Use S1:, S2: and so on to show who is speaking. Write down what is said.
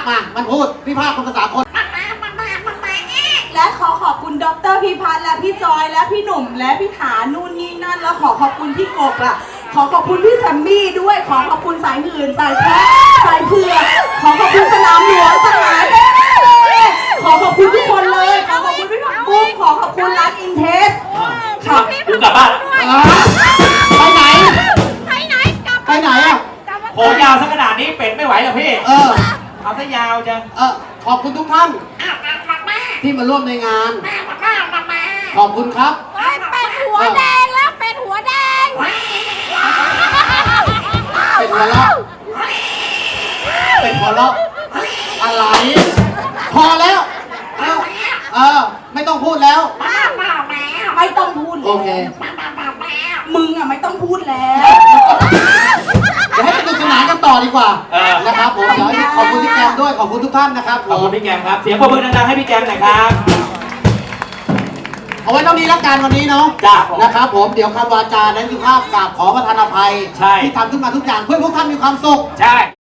S1: มามันพูดพิพากษ์เป็นภาษาคน
S2: และขอขอบคุณดร.พิพัฒน์และพี่จอยและพี่หนุ่มและพี่ฐานนู่นนี่นั่นแล้วขอขอบคุณพี่กบล่ะขอขอบคุณพี่แซมมี่ด้วยขอขอบคุณสายหื่นสายแท้สายเผือกขอขอบคุณสนามหลวงสหายขอขอบคุณทุกคนเลยขอขอบคุณพี่ผักบุ้งขอขอบคุณร้านอินเทสค่ะ
S3: คุณกลับบ้าน
S1: ไปไหน
S2: ไปไหนอ่ะ
S3: โหยาวสักขนาดนี้เป็ดไม่ไหวหรอพี่เอาซะยาวจัง
S1: ขอบคุณทุกท่านที่มาร่วมในงานขอบคุณครับ
S2: เป็ดหัวแดงแล้วเป็ดหัวแดง
S1: เป็นหัวเราะเป็นหัวเราะอะไรพอแล้วไม่ต้องพูดแล้ว
S2: ไม่ต้องพูด
S1: โอเค
S2: มึงอ่ะไม่ต้องพูดแล้ว
S1: เดี๋ยวให้สนุกสนานกันต่อดีกว่านะครับผมเดี๋ยวขอบคุณพี่แกมด้วยขอบคุณทุกท่านนะครับ
S3: ขอบคุณพี่แกมครับเสียงปรบมือดังๆให้พี่แกมหน่อยครับ
S1: เอาไว้เท่านี้ละกันวันนี้เนาะนะครับผมเดี๋ยวคำวาจาและสุภาพกราบขอประทานอภัยที่ทำขึ้นมาทุกอย่างเพื่อพวกท่านมีความสุข
S3: ใช่